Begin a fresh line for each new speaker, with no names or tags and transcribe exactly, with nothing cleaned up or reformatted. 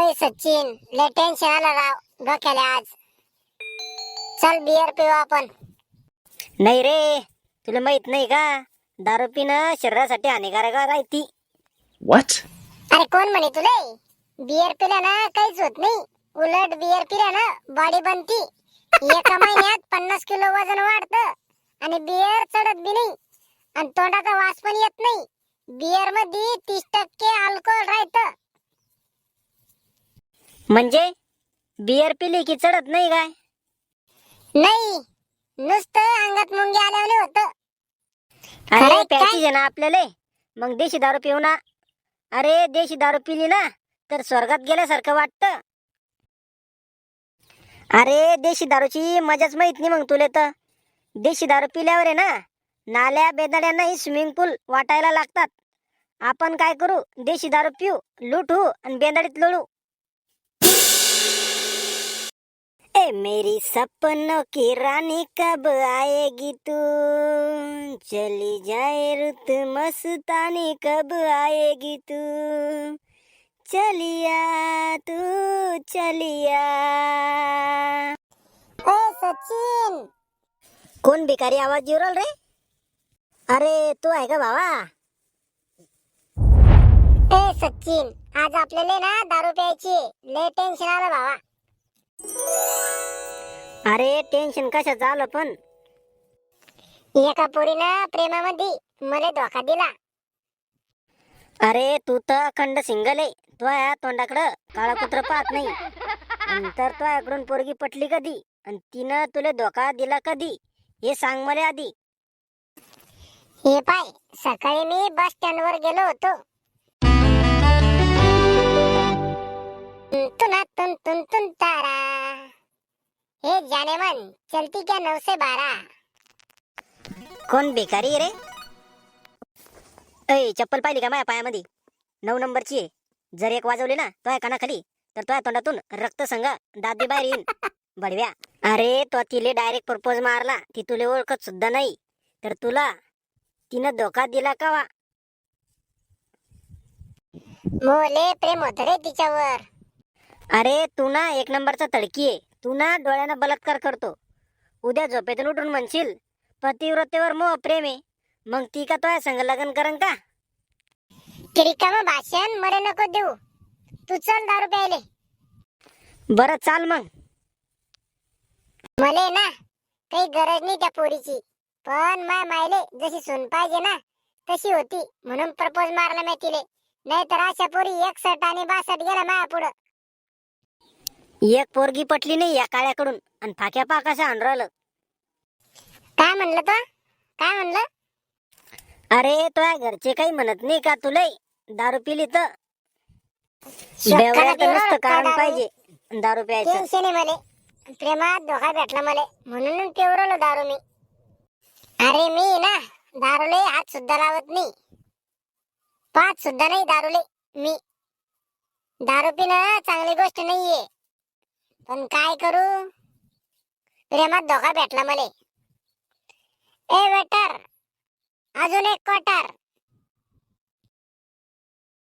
ए सचिन, लय टेन्शन आलं राव डोक्याला आज. चल बियर पिऊ आपण.
नाही रे, तुला माहित नाही का, दारू पिणं शरीरासाठी हानिकारक राहती.
What?
अरे कोण म्हणे तुले? बियर पिल्यानं काहीच होत नाही. उलट बियर पिल्यानं बॉडी बनती. एका महिन्यात पन्नास किलो वजन वाढतं आणि बियर चढत बी नाही आणि तोंडाचा वास पण येत नाही. बियर मध्ये तीस टक्के अल्कोहोल राहतं.
म्हणजे बियर पिली की चढत नाही काय?
नाही, नुसतं अंगात मुंगी आल्याने होतं.
अरे
खरंय काय?
प्यायची आहे ना आपल्याला, मग देशी दारू पिऊ ना. अरे देशी दारू पिली ना तर स्वर्गात गेल्यासारखं वाटतं. अरे देशी दारूची मजाच माहित नाही मग तुला. तर देशी दारू पिल्यावर आहे ना, नाल्या बेदाड्यांनाही स्विमिंग पूल वाटायला लागतात. आपण काय करू, देशी दारू पिऊ, लुटू आणि बेदाडीत लोळू. ए मेरी सपनों की रानी कब आएगी तू, चली जाए रुत मस्तानी कब आएगी तू, चलिया तू चलिया.
ए सचिन,
कोण भिकारी आवाज येऊ राहिला रे? अरे तू आहे का भावा?
ए सचिन, आज आपल्याला ना दारू प्यायची. लय टेन्शन आलं भावा.
अरे टेन्शन कशाचं आलं पण?
एका पोरीनं प्रेमामध्ये मला धोका दिला.
अरे तू तर अखंड सिंगल आहे. तुझ्या तोंडाकडं काळा कुत्र पाहत नाही. आणि तर तुझ्याकडून पोरगी पटली कधी आणि तिनं तुला धोका दिला कधी, हे सांग मला आधी.
हे पाय, सकाळी मी बस स्टँड वर गेलो होतो. तुना तुन तुन तुन तारा, हे जाने मन चलती क्या नऊ से बारा.
कोण भिकारी आहे रे? ऐ चप्पल पाहिली का माझ्या पायामध्ये? नऊ नंबरची आहे. जर एक वाजवली ना तुझ्या कानाखाली तर तुझ्या तोंडातून रक्त संघ दात बाहेर येईन बडव्या. अरे तो तिले डायरेक्ट प्रपोज मारला, ती तुले ओळखत सुद्धा नाही, तर तुला तिनं धोका दिला का वा?
मोले प्रेम होत रे तिच्यावर.
अरे तू ना एक नंबरचा तडकी आहे. तू ना डोळ्यानं बलात्कार करतो. उद्या झोपेतून उठून म्हणशील पतिव्रतेवर मोह प्रेम आहे, मग ती का तुझ्या संग लग्न करन का?
रिकामं भाषण मरे नको देऊ. तू चल दारू प्यायले.
बरं चाल मग.
मले ना काही गरज नाही त्या पोरीची, पण माय मायले जशी सून पाहिजे ना तशी होती म्हणून प्रपोज मारला मी तिले. नाहीतर अशा पोरी एकसठ आणि बासष्ट गेला माया पुढं.
एक पोरगी पटली नाही या काळ्याकडून आणि फाक्या पाकाशा आणून राहिलं.
काय म्हणलं तो? काय म्हणलं?
अरे तुझ्या घरचे काही म्हणत नाही का तुला दारू पिली तर? बेवड्याचं नुसतं कारण पाहिजे दारू प्यायचं.
टेन्शन आहे मले, प्रेमात धोका भेटला मले म्हणून पिवरलो दारू मी. अरे मी ना दारूले हात सुद्धा लावत नाही, पाच सुद्धा नाही दारूले मी. दारू पिणं चांगली गोष्ट नाहीये, पण काय करू, प्रेमात धोका भेटला मले. ए वेटर, अजून एक क्वार्टर.